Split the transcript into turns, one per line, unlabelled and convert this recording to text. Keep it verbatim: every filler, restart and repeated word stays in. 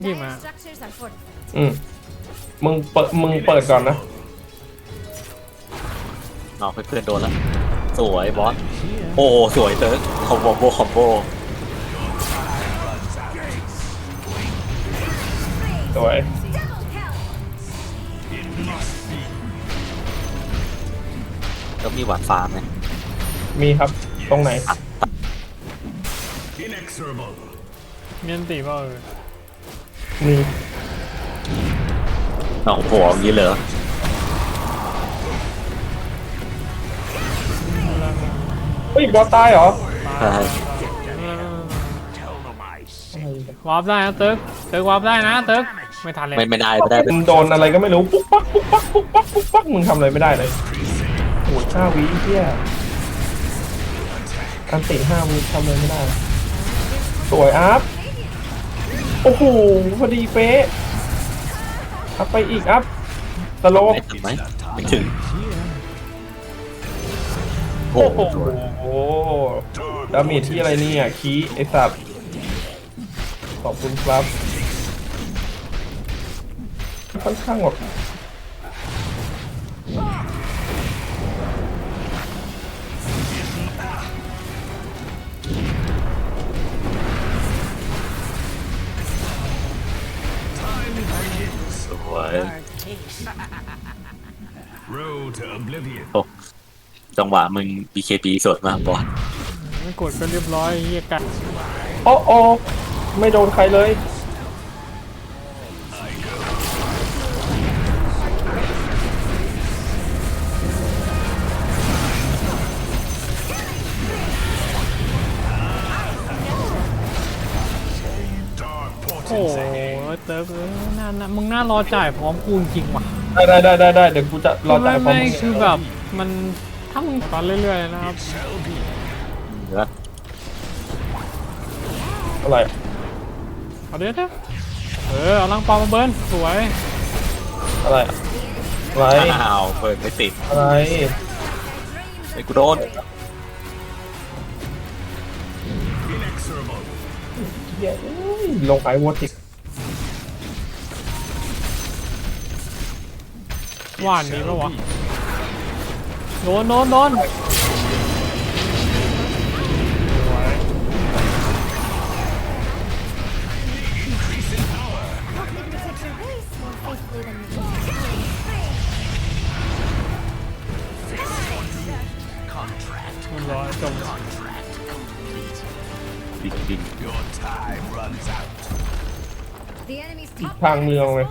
ยี่มา
อืมมึงเปิดมึงเปิดก่อนนะ
นอกเพื่อนๆโดนแล้วสวยบอสโอ้สวยเติร์กคอมโบโบคอมโบ
สวย
แล้วมีหวานฟาร์มไหม
มีครับตรงไหน
เมียนตีเปล่าเออ
มี
น้องโหอย่างนี้เลยเหรอ
เฮ้ยบอสตายเหรอ
ใช่
วาร์ปได้นะเติร์กเติร์กวาร์ปได้นะเติร์กไม่ทันเลย
ไม่ไม่ได้ไม่ได้
มึงโดนอะไรก็ไม่รู้ปุ๊กปักปุ๊กปักปุ๊กปักปุ๊กปักมึงทำอะไรไม่ได้เลยโอ้ยห้าวิเที่ยอันติห้าวิทำอะไรไม่ได้สวยอัพโอ้โหพอดีเป๊ะอัพไปอีกอัพสโลว์
ไม่ถึงไหมไม่ถึงโอ้
โอ้โห
โห
ดาเมจที่อะไรเนี่ยคีไอสัตว์ขอบคุณครับค่อนข้างแบบ
สวย
Road to oblivion.
โอ้จังหวะมึง บี เค บี สดมากบอส
ไม่กดก็เรียบร้อยเฮียกัน
โอ้โอไม่โดนใครเลย
โอ้โหเติร์กเออน่าน่ามึงน่ารอจ่ายพร้อมกูจริงว่ะ
ได้ได้ได้ได้ได้เดี๋ยวกูจะรอจ่ายพร้อม
ไม่
มึง
คือแบบมันถ้ามึงตอนเรื่อยๆนะครับ
เหลือ
อะไร
เอาเดี๋ยวเดี๋ยวเออเอาลังปอมาเบิร์นสวย
อะไรอะไร
อ้าวเปิดไม่ติด
อะไร
ไอ้กูโดน
เหี้ยเอ้ยลงไอวอติก
หวานนี้ปะวะโดนโดนโดนมันร้อยจบ
จริง
Your time runs out.
ทางเมืองเลย